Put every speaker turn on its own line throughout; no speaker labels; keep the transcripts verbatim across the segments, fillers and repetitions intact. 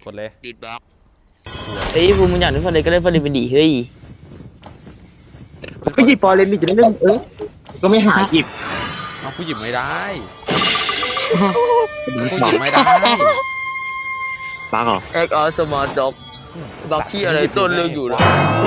กดเลย
ดีดบล็อก
เอ้ยภูมิมึงอยากเล่นฟอร์เรนก็เล่นฟอร์เรนไปดิเฮ้ย
ก็หยิบฟอร์เรนดิจะได้เล่นเออก็ไม่หาหยิบ
เอาผู้หยิบไม่ได้ผู้หยิบไม่ได้
บ้าเหรอ
เอ็กออสมาร์ทด็อกด็อกที่อะไรต้นเรื่องอยู่นะ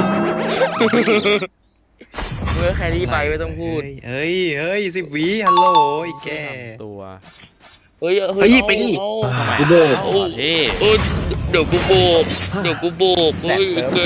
เมื่อแครี่ไปไม่ต้องพูด
เฮ้ยเฮ้ยสิบวิฮัลโหลไอ้แก
ตัว
เฮ้ยเฮ้ย
ไปดิ
กูโบกเฮ้ยเดี๋ยวกูโบกเดี๋ยวกูโบกเฮ้ยแก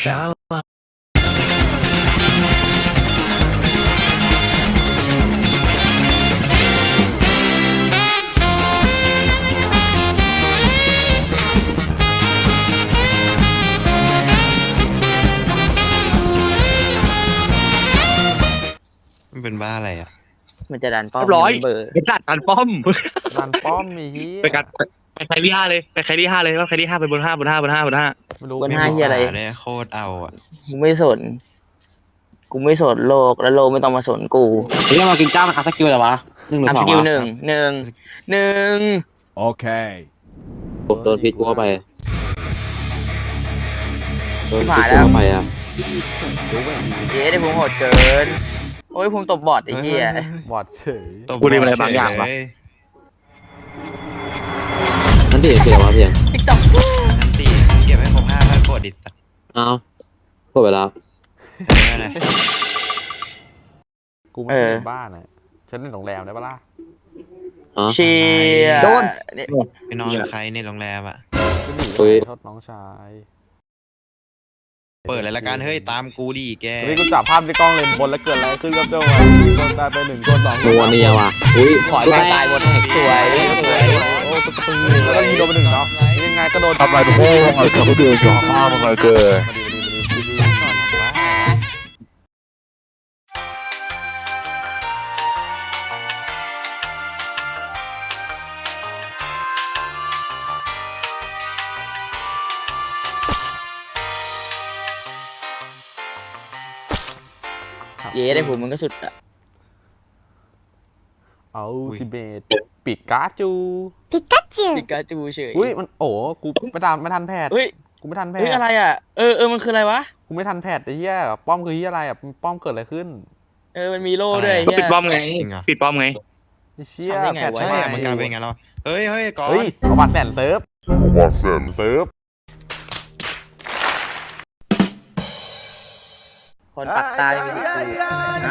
มันเป็นบ้าอะไรอ่ะ
มันจะดันป้อม
ร้อย
เบอร์
เป็นดันป้อม
ดันป้อมมีเฮีย
ไปกันไปใครที่ห้าเลยไปใครที่ห้าเลยว่าใครที่ห้าไปบนห้าบนห้าบนห้าบนห้า
บนห้าเฮียอะไร
โคตรเอาอ่ะ
กูไม่สนกูไม่สนโลกแล้วโลกไม่ต้องมาสนกู
เฮ้ยมากินจ้ามันอัพสกิลอะไรวะหนึ่งหรือสอง
อัพสกิลหนึ่งหนึ่งหนึ่ง
โอเค
โดนพิษกูเข้าไป
โดนพิษกูเข้า
ไปอ่ะ
เย้ได้ภูมิโหดเกินโอ้ยภูมิตบบอดไอ้เหี้ย
บอดเฉย
กูเรียนอะไรบางอย่างวะนั่นดิเสียวะเพียง
ติ๊กต็อก
นั่นดิเก็บให้ครบห้าพันกดดิสัตว์
อ้าวกดไปแล้ว
กูไม่ได้บ้านอ่ะฉันเล่นโรงแรมได้ปะล่ะ
เชียร์
โดน
ไปนอนใครในโรงแรมอ่ะ
เฮ้ยทดน้องชาย
เปิดเลยละกันเฮ้ยตามกูดิแก
นี่กูจับภาพในกล้องเลนบนแล้วเกิดอะไรขึ้นกับเจ้าอ่ะโดนตายไปหนึ่งโดนสอง
ตัวนี้ว่ะอุ้ย
ขอตายตายหมดสวยสวย
โอ้สตูแล้วก็ยิงโดนไปหนึ่งเนาะยังไงก็โดน
ทำไรโอ้ยทำไมเขาเดือดจ่อข้ามอะไรเกิด
เย้ได้ผมมันก็สุดอ่ะ
เอาทิเบตปิดกาจู
ปิกาจูปิกาจูเฉย
อุ้ยมันโอ้กูไม่ทันไม่ทันแพทย์กูไม่ทันแพทย์
เฮ้ยอะไรอ่ะเออเออมันคืออะไรวะ
กูไม่ทันแพทย์ไอ้เหี้ยป้อมคือเหี้ยอะไรอ่ะป้อมเกิดอะไรขึ้น
เออมันมีโล่ด้วย
ปิดป้อมไงปิดป้อมไง
ไอ้เชี่ย
แพทย์
ใช่มันกลายเป็นไงเราเฮ้ยเฮ้ยก่อน
เฮ้ยเอาบัตรแสนเซิร์ฟ
เอาบัตรแสนเซิร์ฟ
คนปักตายมีสิทธิ์นะ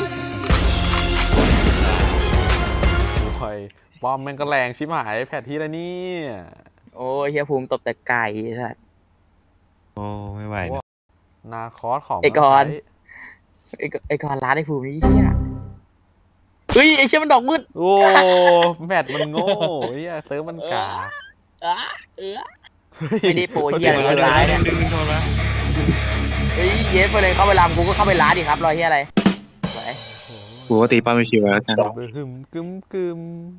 โอ้ยป้อมแม่งก็แรงชิบหายแพทที่แล้วนี่
โอ้ยเฮียภูมิตบแต่ไก่สัส
โอ้ไม่ไหว
นาคอสของ
ไอกอนไอไอกอนร้านไอภูมินี่เชี่ยเฮ้ยไอเชี่ยมันดอกมืด
โอ้แพทมันโง่เฮียเซิร์ฟมันกา
เออเออไม่ได้โปรเฮียเลยร้ายเนี่ยเฮ้ยเย้ไปเลยเข้าไปรำกูก็เข้าไปร้านดิครับรอยเฮียอะไร
กูก็ตีป้าไม่ชิวแล้วกัน
กึมกึมกึม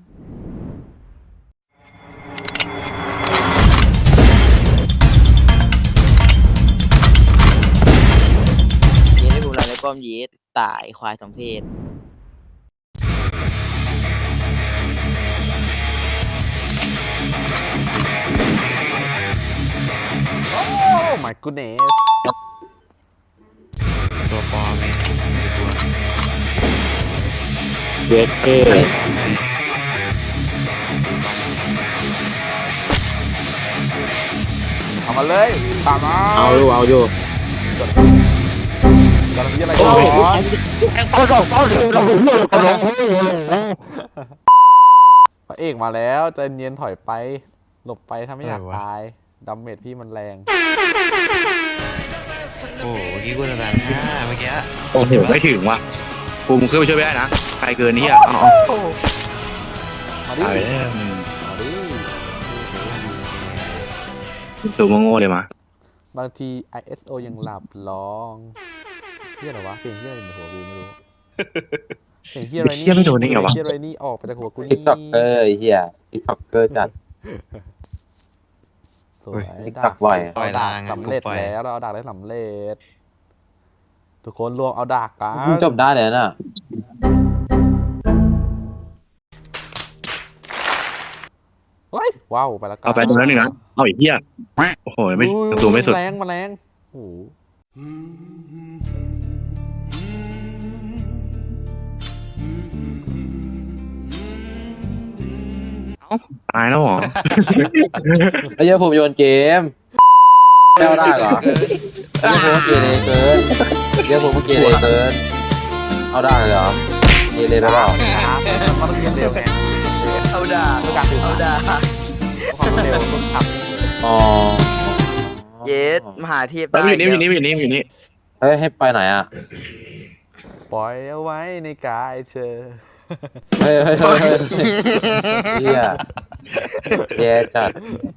เย้ได้ภูมิเราในป้อมเย้ตายควายสมเพศ
โอ้ my goodness
ตัวปลอมเลยตัว
เวทเท่
เอามาเลยตามมา
เอาอยู่เอาอยู่
กำลังยี่อะไร
ก่อนเอาสองเอาสองเราเลือกกันเลย
พระเอกมาแล้วใจเย็นถอยไปหลบไปถ้าไม่อยากตายดัมเมจพี่มันแรง
โอ้เมื่อกี้กูจะตายห้าเมื่อกี้
โอ้โหไม่ถึงว่ะกูมึงขึ้นไปช่วยไม่ได้นะใครเกินนี่อ่ะอ๋อ
มาดิมาดิ
ตัวโง่เลยมา
บางที ไอ เอส โอ ยังหลับร้องเฮียอะไรวะเพลงเฮียอะไรในหัวกูไม่รู้เพลงเฮียอะไรนี่
ไม่โดนนี่เหรอวะ
เฮียอะไรนี่ออกไปจากหัวกูนี่
ติ๊กต็อกเกอร์เฮียติ๊กต็อกเกอร์จัด
สวย
ดักไว
เอาดาบสำเร็จแล้วเราเอาดาบได้สำเร็จทุกคนรวมเอาดาบกัน
จบได้เลยน่ะ
เฮ้ยว้าวไปแล้วกัน
เอาไปตรงนั้นหนึ่งนะเอาอีกเหี้ยโอ้โหไม่
อุ้ย
ประตูไม่สุด
แรงมาแรงโอ้โห
ตายแล้วเหรอ
ไอ้เหี้ยผมโยนเกมแก้วได้เหรอไอ้เหี้ยผมเกเรเกินไอ้เหี้ยผมเกเรเกินเอาได้เลยเหรอเกเรไปเปล่า
ครับมันต้องเรียนเร็วไง
เอาด่า
ต้องการสื่อ
เอา
สาร
ด่า
ความรวดเร็วต้องท
อ๋อ
เยสมหาเทพ
แล้วอยู่นี่อยู่นี่อยู่นี่อยู่นี่
เฮ้ยให้ไปไหนอ่ะ
ำปล่อยเอาไว้ในกายเธอ
เฮ้ยเฮ้ยเฮ้ยเฮ้ยเหี้ยแย่จัด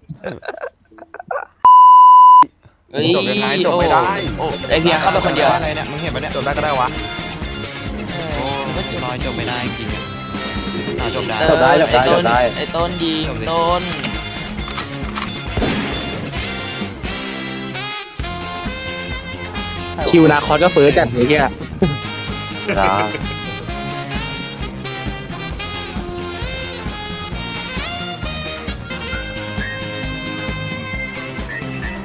เฮ้ย
จบยังไงจบไม่ได้
โอ้ไอเพียเข้าไปคนเดียว
อะไรเนี่ยมึงเห็นปะเนี่ย
จบได้ก็ได้วะ
โอ้ลอยจบไม่ได้จริงอ่ะอ่าจบได้
จบได้จบได้จบได้
ไอต้นยิง
จบดิ
ต้น
คิวนาคอสก็เฟิร์สจัดเลยเหี้ย
นะ